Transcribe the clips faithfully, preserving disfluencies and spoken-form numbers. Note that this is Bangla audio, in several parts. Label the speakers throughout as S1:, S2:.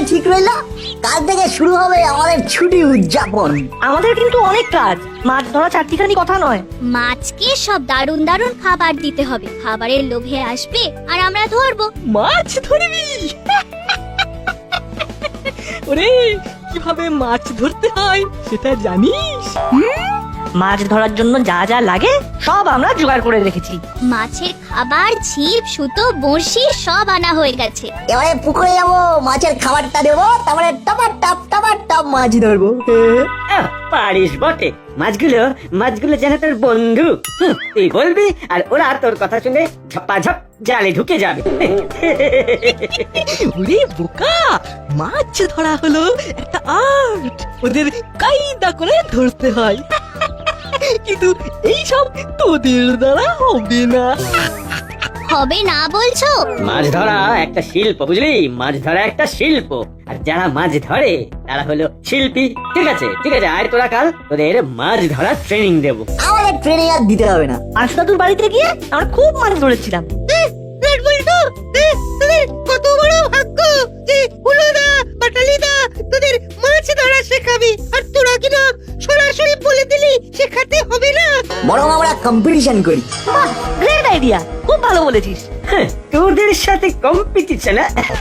S1: ঠিক রইলো? কাল থেকে শুরু হবে আমাদের ছুটি উদযাপন।
S2: আমাদের কিন্তু অনেক কাজ, মাছ ধরা চারটিখানি কথা নয়।
S3: মাছকে সব দারুণ দারুণ খাবার দিতে হবে, খাবারের লোভে আসবে আর আমরা ধরবো।
S2: মাছ ধরবি? ওরে, কিভাবে মাছ ধরতে হয় সেটা জানিস? মাছ ধরার জন্য যা যা লাগে সব আমরা জোগাড় করে রেখেছি।
S3: মাছের খাবার, ছিপ, সুতো, বড়শি সব আনা হয়ে গেছে।
S1: এবারে পুকুরে যাবো, মাছের খাবারটা দেবো, তারপরে টপার টপ টপার টপ মাছ ধরবো।
S4: আহ, পারিস বটে। মাছগুলো মাছগুলো যেন তোর বন্ধু। হুঁ, তুই বলবি আর ওরা তোর কথা শুনে ঝপাঝপ জালে ঢুকে যাবে।
S5: ওরে বোকা, মাছ ধরা হলো একটা আর্ট, ওদের কায়দা করে ধরতে হয়। কিন্তু এইসব তোদের দ্বারা হবে না।
S3: হবে না বলছো?
S4: মাছ ধরা একটা শিল্প, বুঝলি? মাছ ধরা একটা শিল্প, আর যারা মাছ ধরে তারা হলো শিল্পী। ঠিক আছে ঠিক আছে, আর তোরা কাল তোদের মাছ ধরা ট্রেনিং দেবো।
S1: আমাদের ট্রেনিং আর দিতে হবে না।
S2: আশদাদুর বাড়িতে গিয়ে আমরা খুব মাছ ধরেছিলাম।
S5: কত বড় ভাগ্য যে হুলোদা বাটালিদা তোদের মাছ ধরা শেখাবে, আর তোরা কিনা সরাসরি বলে দিলি শেখাতে হবে না।
S1: বরং আমরা কম্পিটিশন করি।
S2: বাহ, গ্রেট আইডিয়া, খুব ভালো বলেছিস।
S4: হ্যাঁ, তোদের সাথে কম্পিটিশন?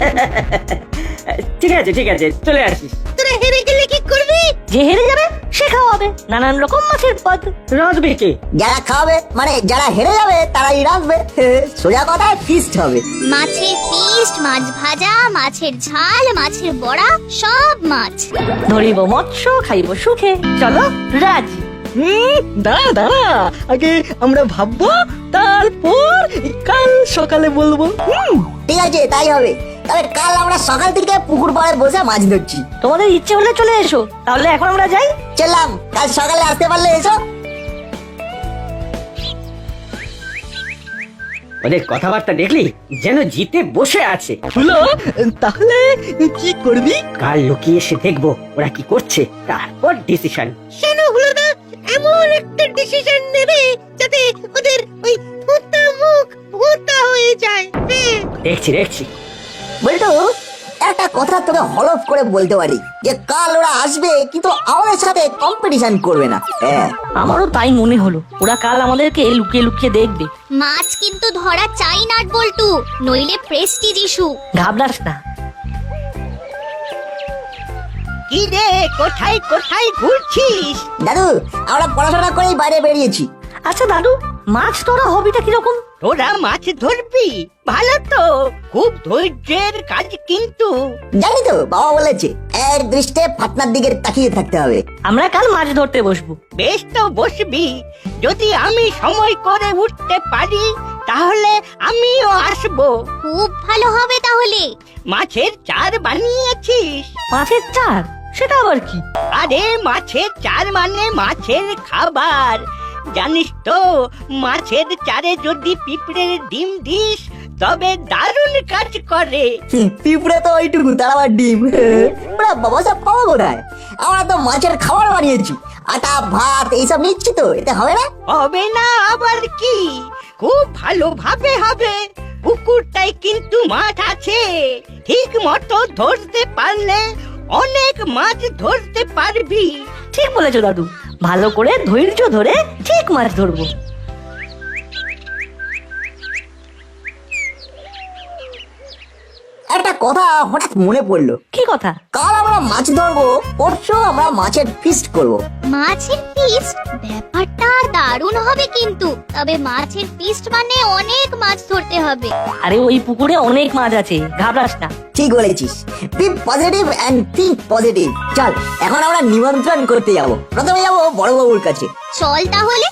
S4: ঠিক আছে ঠিক আছে, চলে আসিস।
S5: তোরা হেরে গেলে কি করবি?
S2: যে হেরে যাবে সে খাওয়াবে নানান রকম মাছের পদ।
S4: রাঁধবে কে?
S1: যারা খাওয়াবে মানে যারা হেরে যাবে তারাই রাখবে। সোজা কথায় ফিস্ট হবে।
S3: মাছের ফিস্ট, মাছ ভাজা, মাছের ঝাল, মাছের বড়া, সব মাছ।
S2: ধরিব মৎস্য, খাইব সুখে। চলো রাজি।
S5: হুম, দাঁড়া দাঁড়া, আগে আমরা ভাববো, তারপর কাল সকালে বলবো। হুম,
S1: ঠিক আছে, তাই হবে। তবে কাল আমরা সকাল থেকে পুকুর পাড়ে বসে মাছ ধরছি।
S2: তোমাদের ইচ্ছে হলে চলে এসো, তাহলে এখন আমরা যাই।
S1: চললাম, কাল সকালে আসতে পারলে এসো।
S4: ওদের কথাবার্তা দেখলি যেন জিতে বসে আছে।
S5: হলো, তাহলে কি করবি?
S4: কাল লুকিয়ে এসে দেখবো ওরা কি করছে, তারপর ডিসিশন।
S5: কেন হলোদা এমন একটা ডিসিশন নেবে যাতে ওদের ওই ভূতা মুখ ভূতা হয়ে যায়। হ্যাঁ,
S4: দেখছি দেখছি।
S1: বলতো একটা কথা তোকে হলফ করে বলতে পারি যে কাল ওরা আসবে, কিন্তু আমাদের সাথে কম্পিটিশন করবে না। হ্যাঁ,
S2: আমারও তাই মনে হলো, ওরা কাল আমাদেরকে লুকিয়ে লুকিয়ে দেখবে।
S3: মাছ কিন্তু ধরা চাই না বল্টু, নইলে প্রেস্টিজ ইস্যু।
S2: ঘাবড়াস না।
S5: কি রে, কোথায় কোথায় ঘুরছিস?
S1: দাদু আমরা পড়াশোনা করেই বাইরে বেরিয়েছি।
S2: আচ্ছা দাদু, মাছ ধরা হবিটা কিরকম?
S5: তোরা মাছ ধরবি? ভালো তো, খুব ধৈর্যের কাজ কিন্তু।
S1: জানি তো, বাবা বলেছে এক দৃষ্টে ফাতনার দিকে তাকিয়ে থাকতে হবে।
S2: আমরা কাল মাছ ধরতে বসবো।
S5: বেশ তো বসবি, যদি আমি সময় করে উঠতে পারি তাহলে আমিও আসবো।
S3: খুব ভালো হবে তাহলে।
S5: মাছের চার বানিয়েছিস?
S2: মাছের চার? সেটা আবার কি?
S5: আরে মাছের চার মানে মাছের খাবার। জানিস তো, মাছের চারে যদি পিঁপড়ের ডিম দিস তবে দারুণ কাজ করে।
S1: পিঁপড়ে তো ওইটুকু, তার আবার ডিম। ওরা বাবা সব পাবো কোথায়? আমরা তো মাছের খাবার বানিয়েছি, আটা ভাত এইসব নিচ্ছি তো, এতে হবে না?
S5: হবে না আবার কি, খুব ভালোভাবে হবে। পুকুরটাই কিন্তু মাছ আছে, ঠিক মতো ধরতে পারলে অনেক মাছ ধরতে পারবি।
S2: ঠিক বলেছো দাদু, ভালো করে ধৈর্য ধরে ঠিক মাছ ধরবো।
S1: একটা কথা হঠাৎ মনে পড়লো।
S2: কি কথা?
S1: কাল আমরা মাছ ধরবো, পরশু আমরা মাছের ফিস্ট করবো।
S3: মাছের ফিস্ট? ব্যাপারটা দারুণ হবে কিন্তু। তবে মাছের ফিস্ট মানে অনেক মাছ ধরতে হবে।
S2: আরে ওই পুকুরে অনেক মাছ আছে, ঘাবড়াস না।
S1: ঠিক বলেছিস, be positive and think positive. চল এখন আমরা নিমন্ত্রণ করতে যাব। প্রথমে যাব বড়বাবুর কাছে।
S3: চল তাহলে।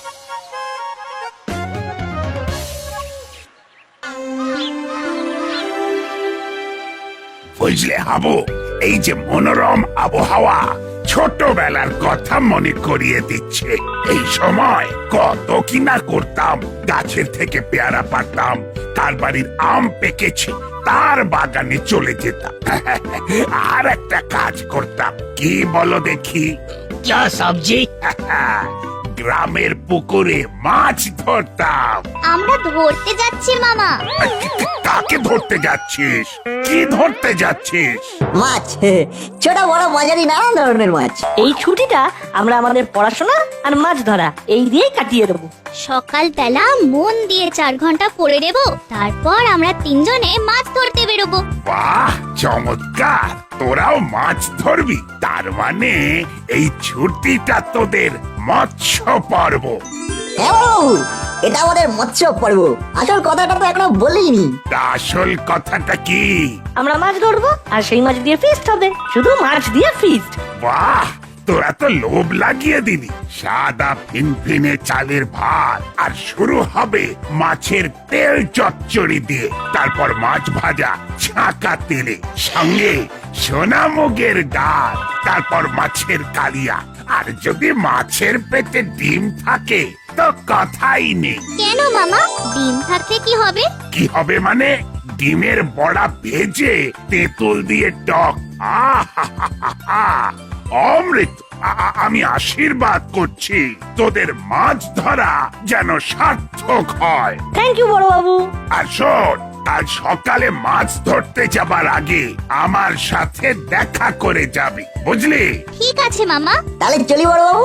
S6: বুঝলে হাবু, এই যে মনোরম আবহাওয়া ছোটবেলার কথা মনে করিয়ে দিচ্ছে। এই সময় কত কিনা করতাম, গাছের থেকে পেয়ারা পাড়তাম, তার বাড়ির আম পেকেছে তার বাগানে চলে যেতাম। আর একটা কাজ করতাম, কি বলো দেখি?
S5: যা সবজি?
S6: গ্রামের পুকুরে মাছ ধরতাম।
S3: আমরা ধরতে যাচ্ছি মামা।
S6: কাকে ধরতে যাচ্ছিস? কি ধরতে যাচ্ছিস?
S1: মাছ ছোট বড় মাঝারি নানান ধরনের মাছ।
S2: এই ছুটিটা আমরা আমাদের পড়াশোনা আর মাছ ধরা এই দিয়েই কাটিয়ে দেবো।
S3: সকালবেলা মন দিয়ে চার ঘন্টা পড়ে নেব, তারপর আমরা তিনজনে মাছ ধরতে বেরোবো।
S6: বাহ, চমৎকার! তোরাও মাছ ধরবি? তার মানে এই ছুটিটা তোদের মৎস্য পর্ব।
S1: হ্যাঁ বাবু, এটা আমাদের মৎস্য পর্ব। আসল কথাটা তো এখনো বলিনি।
S6: তা আসল কথাটা কি?
S2: আমরা মাছ ধরবো আর সেই মাছ দিয়ে ফিস্ট হবে, শুধু মাছ দিয়ে ফিস্ট।
S6: বাহ, তোরা তো লোভ লাগিয়ে দিলি। সাদা ফিনফিনে চালের ভাত আর শুরু হবে মাছের তেল চচ্চড়ি দিয়ে, তারপর মাছ ভাজা ছাঁকা তেলে, সঙ্গে সোনামুগের ডাল, তারপর মাছের কালিয়া। আর যদি মাছের পেটে ডিম থাকে তো কথাই নেই।
S3: কেন মামা, ডিম থাকলে কি হবে?
S6: কি হবে মানে? ডিমের বড়া ভেজে তেঁতুল দিয়ে টক। আহা, অমৃত! আ- আ- আমি আশীর্বাদ করছি তোদের মাছ ধরা যেন সার্থক হয়।
S2: থ্যাংক ইউ বড় বাবু।
S6: আর শোন, কাল সকালে মাছ ধরতে যাবার আগে আমার সাথে দেখা করে যাবি, বুঝলি?
S3: ঠিক আছে মামা।
S1: তাহলে চলি বড় বাবু।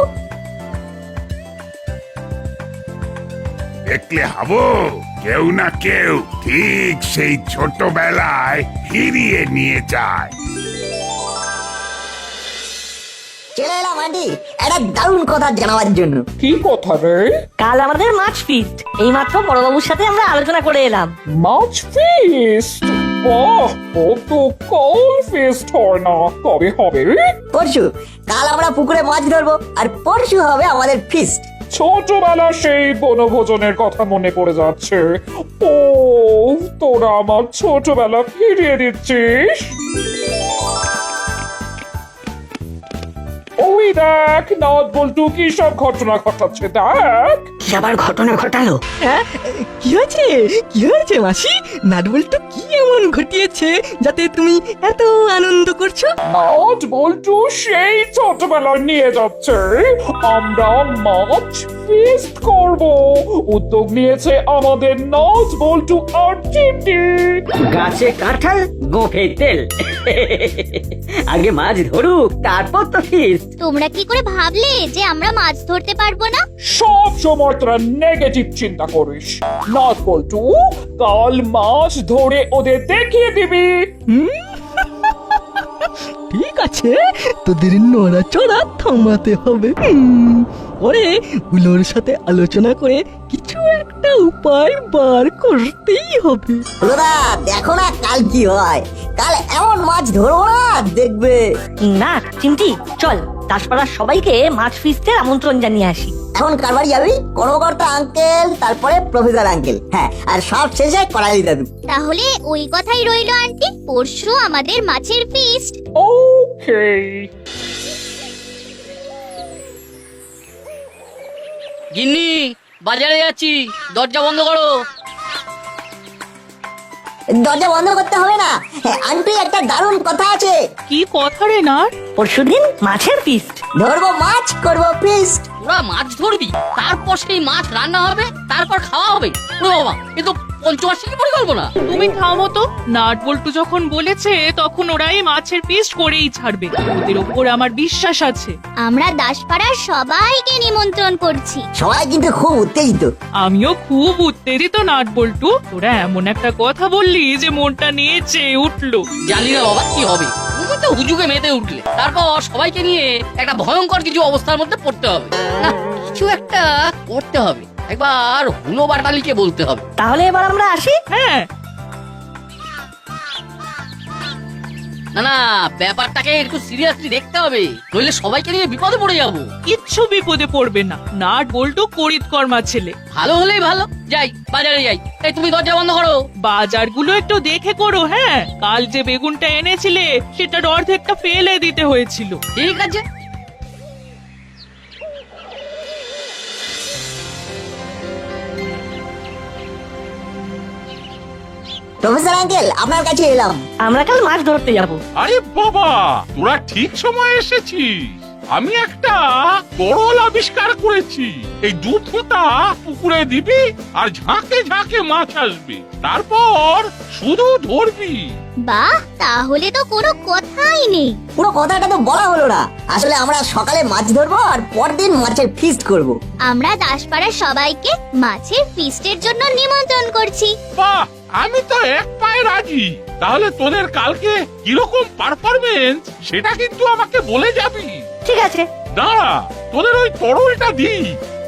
S6: দেখলে হাবু, কেউ না কেউ ঠিক সেই ছোটবেলায় ফিরিয়ে নিয়ে যায়।
S1: চলে এলাম আন্টি একটা দারুণ কথা জানাবার জন্য।
S7: কি কথা রে?
S2: কাল আমাদের মাছ ফিস্ট। এই মাত্র বড় বাবুর সাথে আমরা আলোচনা করে এলাম।
S7: মাছ ফিস্ট? বাহ, কত কল ফিস্ট হয় না, কবে হবে রে?
S1: পরশু। কাল আমরা পুকুরে মাছ ধরবো আর পরশু হবে আমাদের ফিস্ট।
S7: ছোটবেলা সেই বনভোজনের কথা মনে পড়ে যাচ্ছে। ও, তোরা আমার ছোটবেলা ফিরিয়ে দিচ্ছিস। ওই দেখ, নাট বল্টু কি সব ঘটনা ঘটাচ্ছে দেখ।
S2: কি আবার ঘটনা ঘটালো?
S8: হ্যাঁ, কি হয়েছে কি হয়েছে মাসি? নাটবল তো কি এমন ঘটিয়েছে যাতে তুমি এত আনন্দ করছো?
S7: নাট বল্টু সেই ছোটবেলায় নিয়ে যাচ্ছে। আমরা মাছ ফিস্ট করব। উদ্যোগ নিয়েছে আমাদের নাট বল্টু আর টিটি।
S4: গাছে কাঁঠাল, গোঁফে তেল। আগে মাছ ধরুক, তারপর তো ফিস্ট।
S3: তোমরা কি করে ভাবলে যে আমরা মাছ ধরতে পারবো না?
S7: সব সময় তোরা নেগেটিভ চিন্তা করিস। নাট বল্টু, কাল মাছ ধরে ওদের দেখিয়ে দিবি।
S8: ঠিক আছে, তোদের নড়াচড়া থামাতে হবে। হুম, পরে গুলোর সাথে আলোচনা করে কিছু একটা উপায় বার করতেই হবে।
S1: দাদা দেখো না কাল কি হয়। কাল এমন মাছ ধরবো না দেখবে।
S2: না চিমটি, চল দাসপাড়ার সবাইকে মাছ ফিস্টের আমন্ত্রণ জানিয়ে আসি।
S1: এখন কারবারি যাবি? কর্মকর্তা আঙ্কেল, তারপরে প্রফেসর আঙ্কেল, হ্যাঁ, আর সব শেষে করালি দাদু।
S3: তাহলে ওই কথাই রইলো আন্টি, পরশু আমাদের মাছের ফিস্ট।
S7: ওকে।
S9: গিন্নি, বাজারে যাচ্ছি, দরজা বন্ধ করো।
S1: দরজা বন্ধ করতে হবে না। হ্যাঁ, আন্টি একটা দারুণ কথা আছে।
S8: কি কথা রে না?
S2: পরশুদিন মাছের ফিস্ট।
S1: ধরবো মাছ, করবো ফিস্ট।
S9: তোরা মাছ ধরবি, তারপর সেই মাছ রান্না হবে, তারপর খাওয়া হবে। ওরে বাবা, এ তো পঞ্চবার্ষিকী পরিকল্পনা।
S10: তুমি থামো তো। নাট বল্টু যখন বলেছে তখন ওরাই মাছের পিস করেই ছাড়বে। ওদের ওপর আমার বিশ্বাস আছে।
S3: আমরা দাসপাড়ার সবাইকে নিমন্ত্রণ করছি।
S1: সবাই কিন্তু খুব উত্তেজিত।
S10: আমিও খুব উত্তেজিত নাট বল্টু। তোরা এমন একটা কথা বললি যে মনটা নিয়ে চেয়ে উঠলো।
S9: জানি না বাবা কি হবে, তুমি তো হুজুগে মেতে উঠলে। তারপর সবাইকে নিয়ে একটা ভয়ঙ্কর কিছু অবস্থার মধ্যে পড়তে হবে। না, কিছু একটা করতে হবে। একবার হুলো বাটালিকে বলতে হবে।
S2: তাহলে এবার আমরা আসি।
S10: হ্যাঁ,
S9: না না, ব্যাপারটাকে একটু সিরিয়াসলি দেখতে হবে, নইলে সবাইকে নিয়ে বিপদে পড়ে যাবো।
S10: কিচ্ছু বিপদে পড়বে না। নাট বল্টু করিত কর্মা ছেলে।
S9: ভালো হলেই ভালো। যাই, বাজারে যাই। এই তুমি দরজা বন্ধ করো।
S10: বাজারগুলো একটু দেখে করো। হ্যাঁ, কাল যে বেগুনটা এনেছিলে সেটার অর্ধেকটা ফেলে দিতে হয়েছিল।
S9: ঠিক আছে।
S1: প্রফেসর আঙ্কেল, আপনার কাছে এলাম।
S2: আমরা কাল মাছ ধরতে যাব।
S11: আরে বাবা, তোরা ঠিক সময় এসেছিস।
S7: আমি একটা তরল আবিষ্কার করেছি। এই দু ফোঁটা পুকুরে দিবি আর ঝাঁকে ঝাঁকে মাছ আসবে, তারপর শুধু ধরবি।
S3: বাহ, তাহলে তো কোনো কথাই নেই।
S1: পুরো কথাটা তো বলা হলো না। আসলে আমরা সকালে মাছ ধরবো আর পরদিন মাছের ফিস্ট করব।
S3: আমরা দাসপাড়ার সবাইকে মাছের ফিস্টের জন্য নিমন্ত্রণ করছি।
S7: বাহ, আমি তো এক পায়ে রাজি। তাহলে তোদের কালকে কিরকম পারফরমেন্স সেটা কিন্তু আমাকে বলে যাবি।
S2: ঠিক আছে।
S7: দাঁড়া, তোদের ওই তরলটা দিই।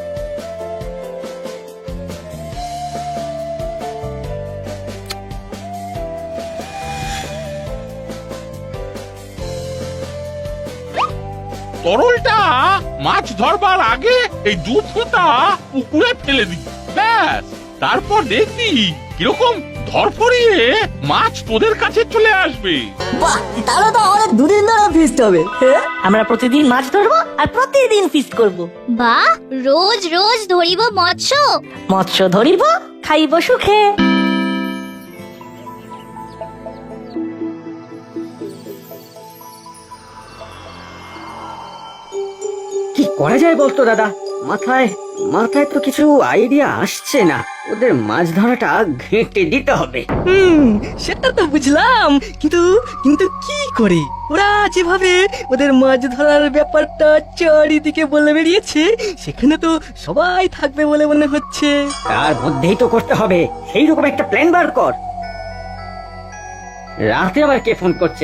S7: তরলটা মাছ ধরবার আগে এই দু ফোঁটা পুকুরে ফেলে দিই, ব্যাস। তারপর দেখবি কিরকম ধরফরিয়ে মাছ তোদের কাছে চলে আসবে।
S1: বাহ, তাহলে তো আমাদের দুদিন ধরে ফিস্ট হবে। হ্যাঁ?
S2: আমরা প্রতিদিন মাছ ধরবো আর প্রতিদিন ফিস্ট করব।
S3: বাহ, রোজ রোজ ধরিব মৎস্য।
S2: মৎস্য ধরিব, খাইব সুখে।
S4: কি করা যায় বলতো দাদা? মাথায় মাথায় তো কিছু আইডিয়া আসছে না। ওদের মাছ ধরাটা ঘেঁটে দিতে হবে।
S8: হুম, সেটা তো বুঝলাম, কিন্তু কিন্তু কি করে? ওরা যেভাবে ওদের মাছ ধরার ব্যাপারটা চারিদিকে বলে বেরিয়েছে, সেখানে তো সবাই থাকবে বলে মনে হচ্ছে।
S4: তার মধ্যেই তো করতে হবে সেই রকম একটা প্ল্যান বার কর। রাতে আবার কে ফোন করছে?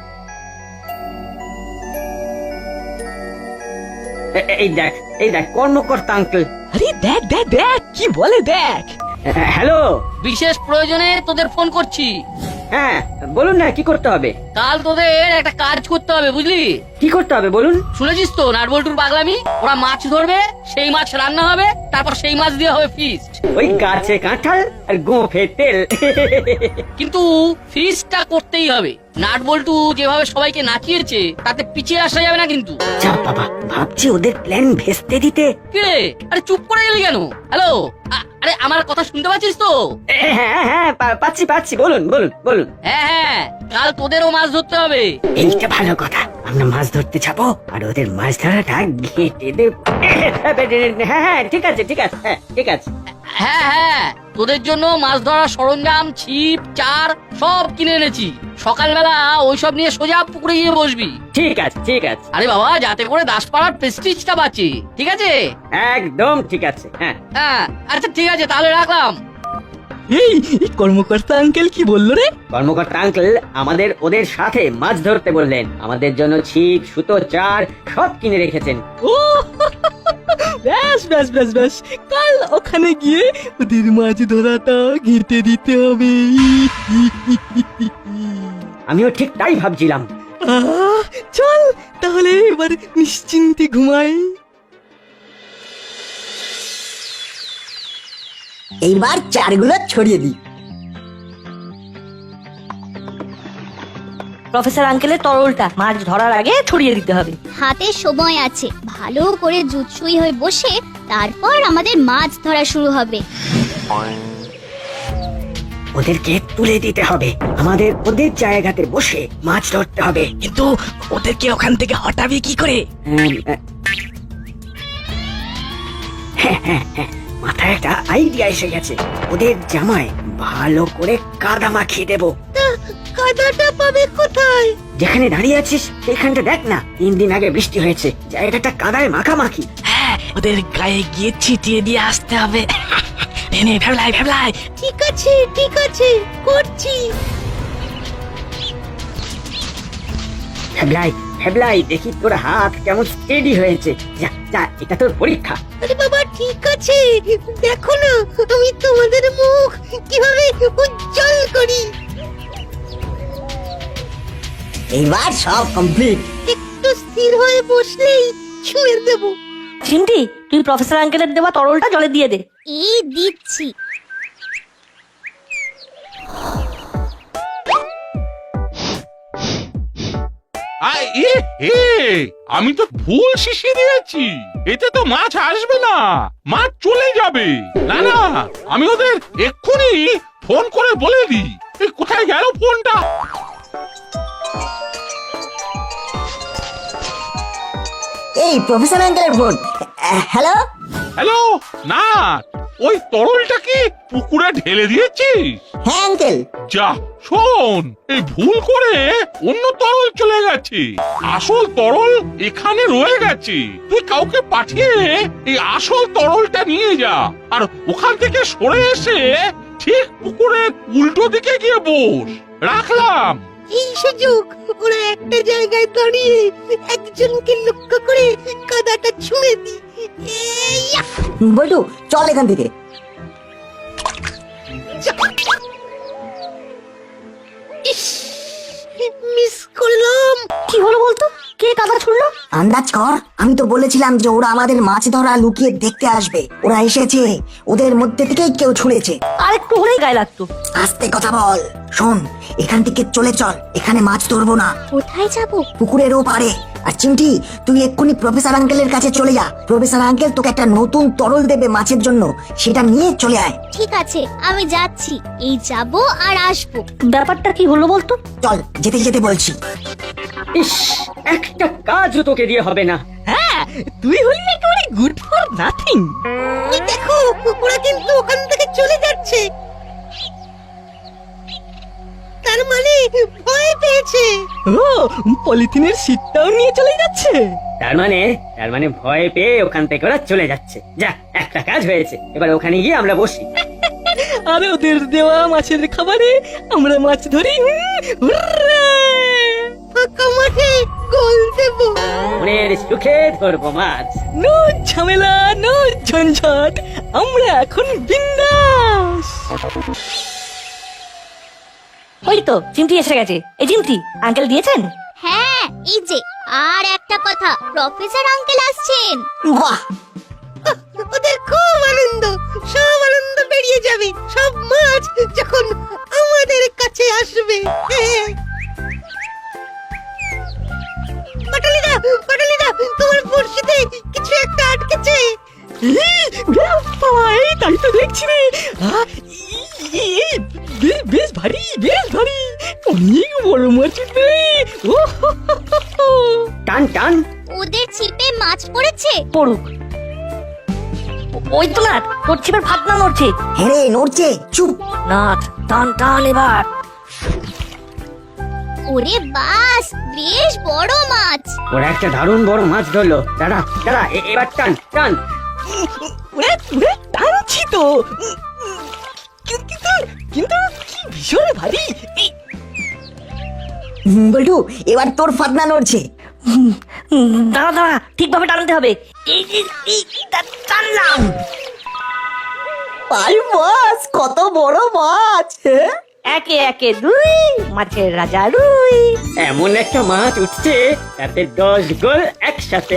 S4: এ- এই দেখ, এই দেখ, কর্মকর্তা আঙ্কেল।
S8: আরে দেখ দেখ দেখ কি বলে দেখ।
S4: হ্যালো।
S9: বিশেষ প্রয়োজনে তোদের ফোন করছি।
S4: হ্যাঁ, বলুন না কি করতে হবে?
S9: কাল তোদের একটা কাজ করতে হবে, বুঝলি?
S4: কি করতে হবে বলুন?
S9: শুনেছিস তো নাটবল্টুর পাগলামি? ওরা মাছ ধরবে, সেই মাছ রান্না হবে, তারপর সেই মাছ দিয়ে হবে ফিস্ট।
S4: ওই গাছে কাঁঠাল আর গোঁফে তেল।
S9: কিন্তু ফিস্টটা করতেই হবে। নাটবল্টু যেভাবে সবাইকে নাচিয়েছে তাতে পিছিয়ে আসা যাবে না কিন্তু।
S4: যা বাবা, ভাবছি ওদের প্ল্যান ভেস্তে দিতে।
S9: কে? আরে চুপ করে গেলি কেন? হ্যালো, আরে আমার কথা শুনতে পাচ্ছিস তো?
S4: হ্যাঁ হ্যাঁ, পা- পাচ্ছি পাচ্ছি, বলুন বলুন বলুন।
S9: হ্যাঁ হ্যাঁ, কাল তোদেরও মাছ ধরতে হবে।
S4: এইটা ভালো কথা, আমরা মাছ ধরতে যাবো আর ওদের মাছ ধরাটা ঘেঁটে দেব। হ্যাঁ হ্যাঁ, ঠিক আছে ঠিক আছে, হ্যাঁ ঠিক আছে।
S9: হ্যাঁ হ্যাঁ, তোদের জন্য মাছ ধরার সরঞ্জাম, ছিপ, চার সব কিনে এনেছি। সকালবেলা ওইসব নিয়ে সোজা পুকুরে গিয়ে বসবি।
S4: ঠিক আছে ঠিক আছে।
S9: আরে বাবা, যাতে করে দাসপাড়ার প্রেস্টিজটা বাঁচে, ঠিক আছে?
S4: একদম ঠিক আছে। হ্যাঁ
S9: হ্যাঁ, আচ্ছা ঠিক আছে, তাহলে রাখলাম।
S8: এই এই কর্মকর্তা আঙ্কেল কি বললো রে?
S4: কর্মকর্তা আঙ্কেল আমাদের ওদের সাথে মাছ ধরতে বললেন। আমাদের জন্য ছিপ, সুতো, চার সব কিনে রেখেছেন।
S8: ও ব্যাস ব্যাস ব্যাস ব্যাস, কাল ওখানে গিয়ে ওদের মাছ ধরাটা ঘেঁটে দিতে হবে।
S4: আমিও ঠিক তাই ভাবছিলাম।
S8: আহ, চল তাহলে এবার নিশ্চিন্তে ঘুমাই।
S1: এইবার চারগুলো ছড়িয়ে দিই।
S2: প্রফেসর আঙ্কেলের তরলটা মাছ ধরার আগে ছড়িয়ে দিতে হবে।
S3: হাতে সময় আছে, ভালো করে জুৎসুই হয়ে বসে তারপর আমাদের মাছ ধরা শুরু হবে।
S4: ওদেরকে তুলে দিতে হবে, আমাদের ওদের জায়গাতে বসে মাছ ধরতে হবে।
S8: কিন্তু ওদেরকে ওখান থেকে হটাবে কি করে?
S4: উম, আহ, হ্যাঁ হ্যাঁ হ্যাঁ, মাথায় একটা আইডিয়া এসে গেছে। ওদের জামায় ভালো করে কাদা মাখিয়ে দেবো।
S5: কাদাটা পাবে কোথায়?
S4: যেখানে দাঁড়িয়ে আছিস সেখানটা দেখ না, তিন দিন আগে বৃষ্টি হয়েছে, জায়গাটা কাদায় মাখামাখি।
S8: হ্যাঁ, ওদের গায়ে গিয়ে ছিটিয়ে দিয়ে আসতে হবে। নে ভেবলাই ভেবলাই।
S5: ঠিক আছে ঠিক আছে, করছি।
S4: ভেবলাই ভেবলাই, দেখি তোর হাত কেমন স্টেডি হয়েছে। যা যা, এটা তোর পরীক্ষা।
S5: আরে বাবা, ঠিক আছে, দেখো না আমি তোমাদের মুখ কিভাবে উজ্জ্বল করি।
S1: এইবার সব কমপ্লিট।
S5: একটু স্থির হয়ে বসলেই ছুঁয়ে দেবো।
S2: চিমটি, তুই প্রফেসর আঙ্কেলের দেওয়া তরলটা জলে দিয়ে দে।
S3: এই দিচ্ছি।
S7: আয়, এ, এ, আমি তো ভুল শিশি দিয়েছি। এতে তো মাছ আসবে না, মাছ চলে যাবে। না না, আমি ওদের এক্ষুনি ফোন করে বলে দিই। এই কোথায় গেল ফোনটা?
S1: এই প্রফেসর আঙ্কেলের ফোন। হ্যালো।
S7: হ্যালো না, ওই তরলটা কি পুকুরে ঢেলে দিয়েছিস?
S1: হ্যাঁ আঙ্কেল।
S7: যা শোন, এই ভুল করে অন্য তরল চলে গেছে, আসল তরল এখানে রয়ে গেছে। তুই কাউকে পাঠিয়ে এই আসল তরলটা নিয়ে যা, আর ওখান থেকে সরে এসে ঠিক পুকুরের উল্টো দিকে গিয়ে বস। রাখলাম।
S5: এই সুযোগ ওরা একটা জায়গায় দাঁড়িয়ে একজনকে লক্ষ্য করে কাদাটা ছুঁড়ে দি। এইয়া!
S1: বল্টু চল এখান থেকে।
S5: ইস, মিস করলাম।
S2: কি হলো বলতো? কে কাদা ছুড়লো?
S1: আন্দাজ কর, আমি তো বলেছিলাম যে ওরা আমাদের মাছ ধরা লুকিয়ে দেখতে আসবে। ওরা এসেছে, ওদের মধ্যে থেকেই কেউ ছুঁড়েছে।
S2: আর একটু হলেই গায়ে লাগতো।
S1: আস্তে কথা বল। শোন, এখান থেকে চলে চল, এখানে মাছ ধরবো না।
S3: কোথায় যাব?
S1: পুকুরের ওপারে। আর চিমটি, তুই এক্ষুনি প্রফেসর আঙ্কেলের কাছে চলে যা। প্রফেসর আঙ্কেল তোকে একটা নতুন তরল দেবে মাছের জন্য, সেটা নিয়ে চলে আয়।
S3: ঠিক আছে, আমি যাচ্ছি। এই যাব আর আসবো।
S2: ব্যাপারটা কি হলো বলতো?
S1: চল, যেতে যেতে বলছি।
S4: ইস, একটা কাজও তোকে দিয়ে হবে না।
S8: হ্যাঁ, তুই হলি একেবারে গুড ফর নাথিং।
S5: ওই দেখো, ওরা কিন্তু ওখান থেকে চলে যাচ্ছে। তার মানে ভয় পেয়েছে।
S8: ও, পলিথিনের শীটটাও নিয়ে চলে যাচ্ছে।
S4: তার মানে তার মানে ভয় পেয়ে ওখান থেকে ওরা চলে যাচ্ছে। যা, একটা কাজ হয়েছে, এবার ওখানে গিয়ে আমরা বসি।
S8: আর ওদের দেওয়া মাছের খাবারে আমরা মাছ ধরি। হুররে!
S5: ফাঁকা মাঠে গোল দেব।
S4: মনের সুখে ধরবো মাছ।
S8: নো ঝামেলা, নো ঝঞ্ঝট, আমরা এখন বিন্দাস।
S2: ওই তো চিমটি এসে গেছে। এই চিমটি, আঙ্কেল দিয়েছেন?
S3: হ্যাঁ, এই যে। আর একটা কথা, প্রফেসর আঙ্কেল আসছেন।
S1: বাহ,
S5: ওদের খুব আনন্দ, সব আনন্দ বেরিয়ে যাবে, সব মাছ যখন আমাদের কাছে আসবে। হ্যাঁ। পাটালিদা, পাটালিদা, তোমার বড়শিতে কিছু একটা আটকেছে।
S8: এই, বাবা, এই তাই তো দেখছি রে। আহ, এই, এই, বে- বেশ ভারী, বেশ ভারী, অনেক বড় মাছ উঠবে। ও হো হো হো হো।
S4: টান টান।
S3: ওদের ছিপে মাছ পড়েছে।
S2: পড়ুক। ও- ওই তো না, তোর ছিপের ফাতনা নড়ছে।
S1: হ্যাঁ রে, নড়ছে। চুপ।
S2: নাট, টান টান এবার।
S3: ওরে বাস, বেশ বড় মাছ।
S4: ওরা একটা দারুণ বড় মাছ ধরলো। দাঁড়া দাঁড়া, এ- এবার টান টান।
S8: ওরে, ওরে, টানছি তো। কিন্তু কিন্তু কি ভীষণ ভারী। এই,
S1: হুম, বল্টু, এবার তোর ফাতনা নড়ছে।
S2: হুম, দাঁড়া দাঁড়া, ঠিকভাবে টানতে হবে। এই এই, এই, টা- টানলাম।
S1: পাই মাছ, কত বড় মাছ। হ্যাঁ?
S2: একে একে দুই, মাছের রাজা রুই।
S4: এমন একটা মাছ উঠছে, তাতে দশ গোল একসাথে।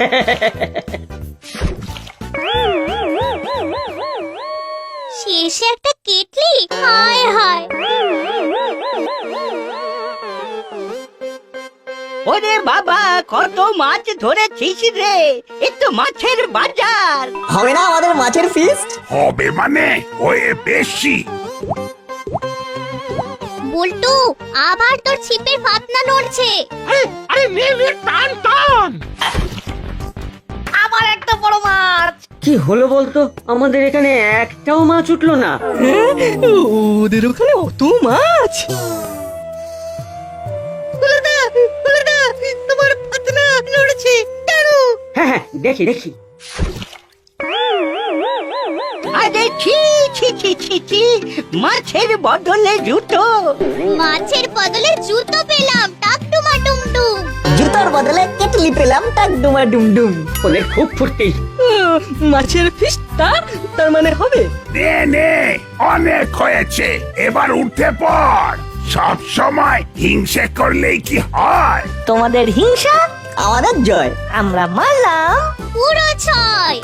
S3: শেষে একটা কেটলি। হায় হায়।
S5: ওরে বাবা, কত মাছ ধরেছিস রে, এ তো মাছের বাজার।
S1: হবে না আমাদের মাছের ফিস্ট?
S6: হবে মানে হয়ে বেশি।
S3: বল্টু, আবার তোর ছিপের ফাতনা নড়ছে।
S7: আরে আরে নে নে, টান টান।
S2: আবার একটা বড় মাছ।
S4: কি হলো বলতো? আমাদের এখানে একটাও মাছ উঠলো না।
S8: হ্যাঁ, ওদের ওখানে অত মাছ।
S5: হুলোদা, হুলোদা, তোমার ফাতনা নড়ছে, টানো।
S4: হ্যাঁ হ্যাঁ, দেখি দেখি।
S5: আরে ছি ছি ছি ছি ছি, মাছের বদলে জুতো।
S3: মাছের বদলে জুতো পেলাম। টাকটুমা টুমটুম।
S1: জুতোর বদলে কেটলি পেলাম, টাক ডুমা ডুমডুম।
S4: ওদের খুব ফুর্তি।
S8: উম, মাছের ফিশটা তার মানে হবে।
S6: নে নে, অনেক হয়েছে, এবার উঠে পড়। সব সময় হিংসে করলেই কি হয়?
S2: তোমাদের হিংসা,
S1: আমাদের জয়।
S2: আমরা মারলাম।
S3: পুরো ছয়।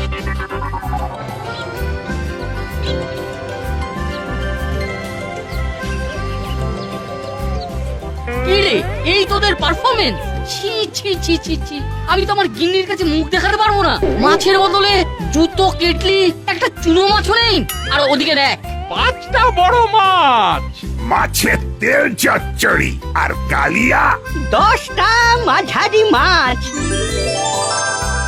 S9: কি রে, এই তোদের পারফরমেন্স? ছি ছি ছি ছি ছি, আমি তো আমার গিন্নির কাছে মুখ দেখাতে পারবো না। মাছের বদলে জুতো, কেটলি, একটা চুনো মাছও নেই। আর ওদিকে দেখ,
S7: পাঁচটা বড় মাছ।
S6: মাছের তেল চচ্চড়ি আর কালিয়া।
S5: দশটা মাঝারি মাছ।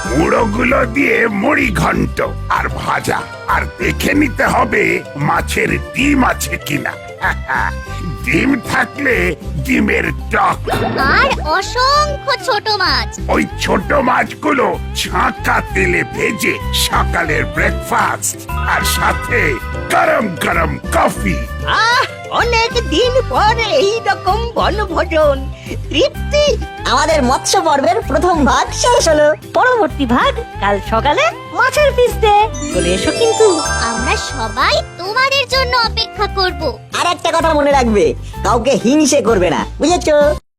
S6: মুড়োগুলো দিয়ে মুড়ি ঘন্ট আর ভাজা, আর দেখে নিতে হবে মাছের ডিম আছে কিনা। ডিম থাকলে ডিমের টক।
S3: আর অসংখ্য ছোট মাছ।
S6: ওই ছোট মাছগুলো ছাঁকা তেলে ভেজে সকালের ব্রেকফাস্ট, আর সাথে গরম গরম কফি।
S5: আহ অনেক দিন পরে এই রকম বনভোজন, তৃপ্তি।
S1: আমাদের মৎস্য পর্বের প্রথম ভাগ শেষ হলো।
S2: পরবর্তী ভাগ কাল সকালে মাছের পিস দে চলে এসো কিন্তু।
S3: আমরা সবাই তোমাদের জন্য অপেক্ষা করব।
S1: আর একটা কথা মনে রাখবে, কাউকে হিংসে করবে না, বুঝেছো?